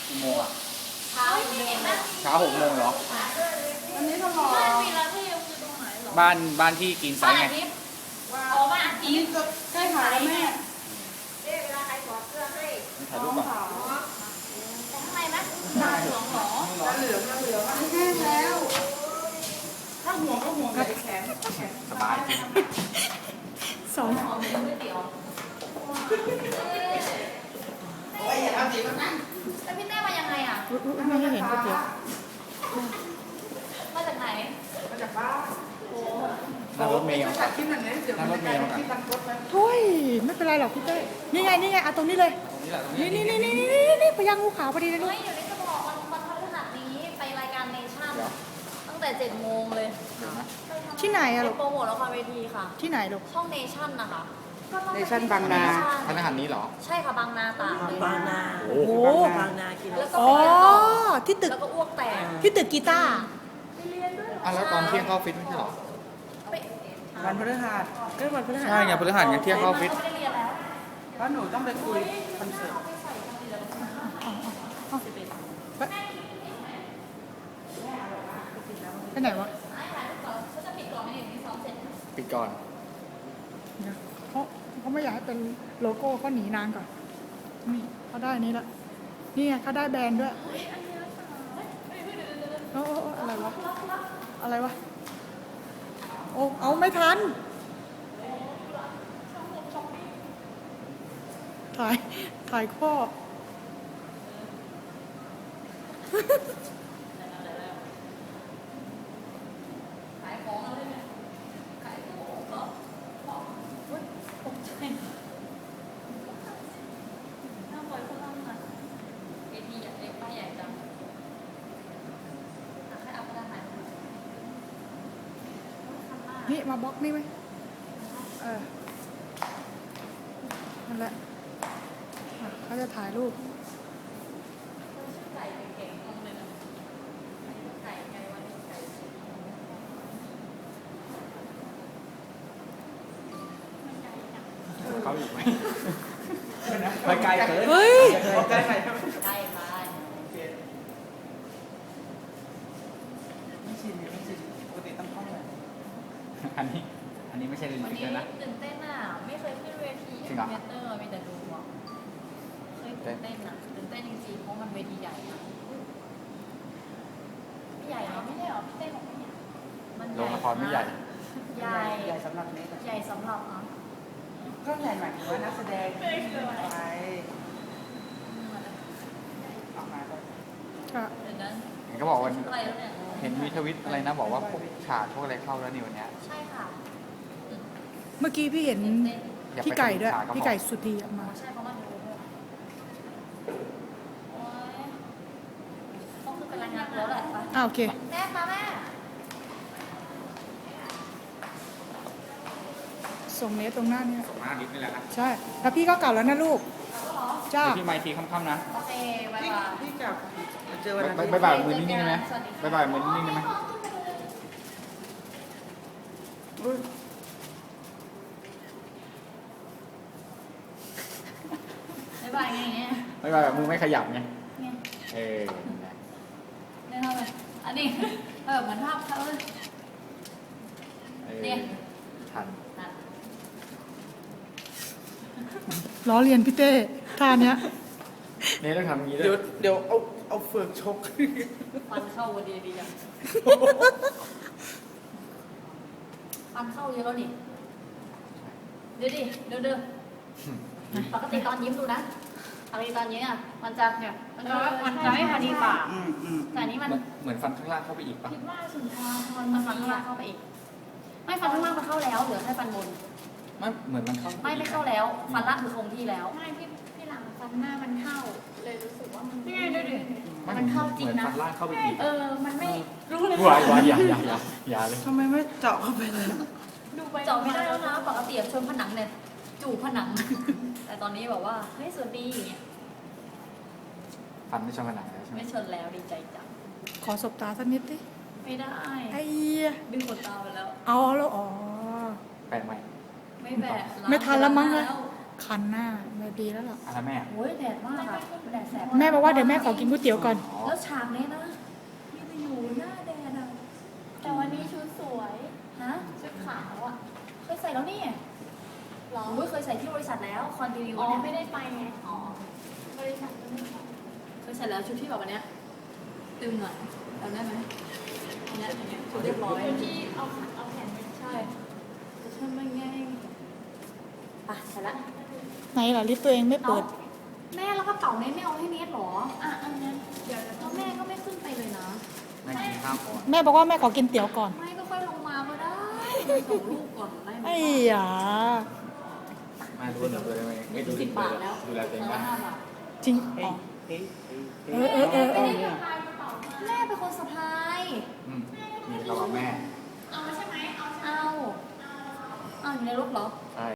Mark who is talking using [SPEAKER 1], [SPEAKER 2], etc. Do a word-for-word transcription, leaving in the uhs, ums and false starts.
[SPEAKER 1] กี่โมงอ่ะ
[SPEAKER 2] เช้าไม่เห็นนะ
[SPEAKER 1] เช้าหกโมงเหรอ
[SPEAKER 3] อันนี้ต้องรอ
[SPEAKER 2] บ้านวีระที่คือตรงไหนหรอ
[SPEAKER 1] บ้านบ้านที่กินไซ
[SPEAKER 2] บ้าน
[SPEAKER 1] ไง
[SPEAKER 2] อาทิตย์อ๋อบ้านอาทิตย์
[SPEAKER 3] ใกล้หายแล้วแม่
[SPEAKER 2] เวลาใครถอดเสื้อให้
[SPEAKER 1] ถ่ายรูปก่อน
[SPEAKER 2] แต่ข้างในนะตาเหลืองหรอ
[SPEAKER 3] แล้วเหลืองแล้วเหลืองอันนี้แห้งแล้วถ้าห่วงก็ห่วงแต่แขนแขน
[SPEAKER 1] สบายจริง
[SPEAKER 4] สอง
[SPEAKER 2] หอมเป็นก๋วยเตี๋ยว
[SPEAKER 3] โอ้ยอย่าทำดีก็นั่ง
[SPEAKER 2] แล้วพี่แม่มายังไงอ่ะ
[SPEAKER 4] อุ๊ยอุ๊ยไม่ให้เห็นก๋วยเตี๋ยว
[SPEAKER 2] มาจากไหน
[SPEAKER 3] มาจากบ้าน
[SPEAKER 1] นั่งรถเมล์
[SPEAKER 3] ถ่ายคลิปหน่อยนะเดี๋ยวมันจะกลายเป็นคลิปบันทึกไหม
[SPEAKER 4] โอ้ยไม่เป็นไรหรอกพี่เต้ยนี่ไงนี่ไงเอาตรงนี้เลย
[SPEAKER 1] ตรงนี้แหละตรง
[SPEAKER 4] นี่
[SPEAKER 1] นี้
[SPEAKER 4] นี่นี่นี่นี่นี่พยางงูขาวพอดีเลยลูก
[SPEAKER 2] เฮ้ยอยู่ในสมองมันมันพฤหัสนี้ไปรายการเนชั่นตั้งแต่เจ็ดโมงเลย
[SPEAKER 1] เดี๋ยวนะ
[SPEAKER 4] ที่ไหนอะลูก
[SPEAKER 2] โปรโมทละครเวทีค่ะ
[SPEAKER 4] ที่ไหนลูก
[SPEAKER 2] ช่องเนชั่นนะคะ
[SPEAKER 3] เนชั่นบางนา
[SPEAKER 1] พนักงานนี้เหรอ
[SPEAKER 2] ใช่ค่ะบางนาตากเลย
[SPEAKER 5] บางนา
[SPEAKER 1] โอ้
[SPEAKER 4] โอ้
[SPEAKER 1] โห
[SPEAKER 4] โห
[SPEAKER 5] บางนากิน
[SPEAKER 2] แล้วก็
[SPEAKER 4] อ๋อ
[SPEAKER 2] ไปเรียนต่อ
[SPEAKER 4] ที่ตึก
[SPEAKER 2] แล้วก็อ้วกแตก
[SPEAKER 4] ที่ตึกกีตาร์
[SPEAKER 2] ไปเรียนด้วยเหรอ
[SPEAKER 1] อ่ะแล้วตอนเที่ยงเข้าออฟฟิศไม่ใช่เหรอ
[SPEAKER 2] ไป
[SPEAKER 3] วันพฤหัส
[SPEAKER 5] ก็วันพฤหัส
[SPEAKER 1] ใช่ไงพฤหัสไงเที่ยงเข้าออฟฟิศ
[SPEAKER 2] ไม่ได้เรียนแล้ว
[SPEAKER 3] เพราะหนูต้องไปคุยคอนเสิร์ต
[SPEAKER 4] ไปไหนวะ
[SPEAKER 2] เขาจะปิดก่อนไม่เห็นมีซ้อมเสร็จ
[SPEAKER 1] ปิดก่อน
[SPEAKER 4] เดี๋ยวเขาเขาไม่อยากให้เป็นโลโก้เขาหนีนานก่อนนี่เขาได้นี้ละนี่ไงเขาได้แบรนด์ด้วยโอ้โอ้โอ้อะไรวะอะไรวะโอ้เอาไม่ทันถ่ายถ่ายข้อ
[SPEAKER 2] ขายของอะไรเนี่ยขายของเหรอของเฮ้ยตกใจน่าปล่อยพลังอ่ะเอทีใหญ่เล็กป้ายใหญ่จังอ่ะให้เอาพลังไหนมา
[SPEAKER 4] นี่มาบล็อกนี่ไหมเออนั่นแหละอ่ะเขาจะถ่ายรูป
[SPEAKER 2] ไก่เก่งๆตรงเลยนะไก่ไก่วันไก่
[SPEAKER 1] เขาอีกไหมไปไกลเกิน
[SPEAKER 4] เฮ้ย
[SPEAKER 3] ใกล้ใคร
[SPEAKER 2] ไก่ไป
[SPEAKER 3] ไม่ชินไม่ชินปกติต้องท่องเลย
[SPEAKER 1] อันนี้ อันนี้ไม่ใช่เรื่อง
[SPEAKER 2] วัน
[SPEAKER 1] จริ
[SPEAKER 2] นี้
[SPEAKER 1] งนะ
[SPEAKER 2] ตื่นเต้นอ่ะไม่เคยขึ้นเวที
[SPEAKER 1] จริงเหรอ
[SPEAKER 2] เมเตอร์มีแต่ดูอ่ะเคยตื่นเต้นอ่ะตื่นเต้นจริงๆเพราะมันเวทีใหญ่นะไม่ใหญ่เหรอไม่ใช่เหรอพี่เต้บอกไม่ใหญ่มันให
[SPEAKER 1] โร
[SPEAKER 2] ญ่
[SPEAKER 1] งละครไม่ใหญ่
[SPEAKER 2] ใหญ่
[SPEAKER 3] ใหญ่สำหรับเน็ต
[SPEAKER 2] ใหญ่สำหรับอ่ะ
[SPEAKER 3] ก็ใหญ่หมายถึงว่านักแสดงไปออกมาเลย
[SPEAKER 4] ค่ะ
[SPEAKER 2] เดี๋ยวนั้น
[SPEAKER 1] เห็นเขาบอกว่า
[SPEAKER 2] อะไรแล้วเนี่ย
[SPEAKER 1] เห็นมีทวิตอะไรนะบอกว่าพวกฉากพวกอะไรเข้าแล้วนี่วันเนี้ย
[SPEAKER 2] ใช่ค่ะ
[SPEAKER 4] เมื่อกี้พี่เห็น
[SPEAKER 2] ตื่นเต้น
[SPEAKER 1] อย่า
[SPEAKER 4] พี่
[SPEAKER 1] ไป
[SPEAKER 4] ไก่ด้วย
[SPEAKER 1] ฉากก็พอ
[SPEAKER 4] พี่ไก่สุธีออกมา
[SPEAKER 2] ใช่เพราะมันดูด้วยโอ๊ยต้องขึ้นไปรายงานแล้วแหละไป
[SPEAKER 4] อ่าโอเค
[SPEAKER 2] แม่มาแม่
[SPEAKER 4] ส่งเนสตรงหน้าเนี่ย
[SPEAKER 1] ส่งหน้านิดนี่แหละนะ
[SPEAKER 4] ใช่ แล้วพี่ก็กลับแล้วนะลูก จ้า
[SPEAKER 1] เดี๋ยวพี่ไมค์ทีค่ำๆนะ
[SPEAKER 2] โอเคบาย
[SPEAKER 3] พี่
[SPEAKER 2] บาย
[SPEAKER 3] พี่กับเจอวันอาทิตย์
[SPEAKER 1] บายบายมือนิ่งๆได้ไหมบายบายมือนิ่งๆได้ไหม
[SPEAKER 3] อุ๊ย
[SPEAKER 2] บายบายไงเนี่ย
[SPEAKER 1] บายบายแบบมือไม่ขยับไง
[SPEAKER 2] ไง
[SPEAKER 1] เออ
[SPEAKER 2] เนี่ยทำไมอันนี้เออเหมือนภาพเขาเลย
[SPEAKER 1] เออ
[SPEAKER 2] เนี่ย
[SPEAKER 1] ทัน
[SPEAKER 2] นั่น
[SPEAKER 4] ล้อเลียนพี่เต้ท่าเนี้ย
[SPEAKER 1] เนี่ยต้องทำอย่างนี้ด้
[SPEAKER 3] เดี๋ยว
[SPEAKER 1] วย
[SPEAKER 3] เดี๋ยวเอาเอาเฟือกชก
[SPEAKER 2] ฟันเข้าวันดีดีจังฟันเข้าเยอะแล้วนี่เดี๋ยวดิเดี๋ยวเดี๋ยวปกติตอนยิ้มดูนะปกติตอนยิ้มอ่ะมันจะเนี่ยมันจะมันจะไม่พอดีปาก
[SPEAKER 3] อืมอืม
[SPEAKER 2] แต่อันนี้มัน
[SPEAKER 1] เหมือนเหมือนฟันข้างล่างเข้าไปอีกปะ
[SPEAKER 2] คิดว่าสุนทรพรมันฟันข้างล่างเข้าไปอีก ไม่ฟันข้างล่างมันเข้าแล้วเหลือแค่ฟันบน
[SPEAKER 1] ไม่เหมือนมันเข้า
[SPEAKER 2] ไม่ไม่เข้าแล้ว ฟันล่างคือคงที่แล้ว
[SPEAKER 6] ไม่พี่พี่หลังฟันหน้ามันเข้า เลยรู้สึกว่ามัน
[SPEAKER 2] นี่ไงดูดิ
[SPEAKER 1] ไม่
[SPEAKER 2] มันเข้าจริง
[SPEAKER 1] เหมือน
[SPEAKER 2] นะ
[SPEAKER 1] ฟันล่างเข้าไปอีก
[SPEAKER 6] เออ มันไม่รู้เลย
[SPEAKER 1] วายวายอย่าอย่าอย่าอย่าเลย
[SPEAKER 3] ทำไมไม่เจาะเข้าไปเลย
[SPEAKER 6] ดูไป
[SPEAKER 2] เจาะไม่ได้แล้วนะปกติชนผนังเนี่ยจูบผนัง แต่ตอนนี้แบบว่าเฮ้ยสวัสดีอย่างเงี้ย
[SPEAKER 1] ฟันไม่ชนผนังแล้วใช่ไหม
[SPEAKER 2] ไม่ชนแล้วดีใจจัง
[SPEAKER 4] ขอสบตาสักนิดดิ
[SPEAKER 2] ไม่ได้
[SPEAKER 4] ไอ้เหี้ย
[SPEAKER 2] ดึงขนตาไปแล้ว
[SPEAKER 4] เอาแล้วอ๋อ
[SPEAKER 1] แปลกไหม
[SPEAKER 2] ไม่แบะ
[SPEAKER 4] ไม่ทันแล้วมั้ง
[SPEAKER 2] เล
[SPEAKER 4] เลย ยคันหน้าไม่ดีแล้วล่ะ
[SPEAKER 1] อะไรแม่
[SPEAKER 2] โอ้ยแดดมากอะแดดแสบ
[SPEAKER 4] แม่บอกว่าเดี๋ยวแม่ขอกินก๋วยเตี๋ยวก่อน
[SPEAKER 2] แล้วฉากนี้นะมีแต่อยู่หน้าแดดอะ
[SPEAKER 6] แต่วันนี้ชุดสวย
[SPEAKER 2] ฮะ
[SPEAKER 6] ชุดขาวอ่ะ
[SPEAKER 2] เคยใส่แล้วนี่
[SPEAKER 6] หรอ
[SPEAKER 2] โอ้ยเคยใส่ที่บริษัทแล้วคอนดิวิว
[SPEAKER 6] อ๋อ
[SPEAKER 2] เนี่ย
[SPEAKER 6] ไม่ได้ไปไง อ๋อ บริษัทไม่ได้ไป
[SPEAKER 2] เคยใส่แล้วชุดที่แบบวันเนี้ยตึงหน่อยจำได้ไหมอันเนี้ยอันเนี้ยชุดเรียบร้อย
[SPEAKER 6] ชุดที่เอาขาเอาแขนไป
[SPEAKER 2] ใช่แต่ฉันไม่ง่ายปะใส่ละ
[SPEAKER 4] ไหนล่ะลิฟต์ตัวเองไม่เปิด
[SPEAKER 2] แม่แล้วกระเป๋าเนทไม่เอาให้เนทหรอ
[SPEAKER 6] อ่ะ อันนั้นเดี๋ยว
[SPEAKER 2] แล้วแม่ก็ไม่ขึ้นไปเลยนะ
[SPEAKER 1] แม่กินข้าวก่อน
[SPEAKER 4] แม่บอกว่าแม่ขอกินเตี๋ยวก่อน
[SPEAKER 2] ไม่ก็ค่อยลงมาก็ได้ส่งลูกก่อนได้ไหม
[SPEAKER 4] ไอ้หยา
[SPEAKER 1] แม่รู้หนูเลยไหมไม่ดู
[SPEAKER 2] สิบบาทแล้ว
[SPEAKER 1] ดูแลตัวเอง
[SPEAKER 2] แล้ว
[SPEAKER 1] ได้
[SPEAKER 2] ห้าบาท
[SPEAKER 4] จริงอ๋อเออเออเออเออ
[SPEAKER 2] แม่เป็นคนสะพาย
[SPEAKER 1] อืมมีกระเป๋าแม่
[SPEAKER 6] เอาใช่ไหมเอา
[SPEAKER 2] เอาเอาอยู่ในรถเหรอ
[SPEAKER 1] ใช่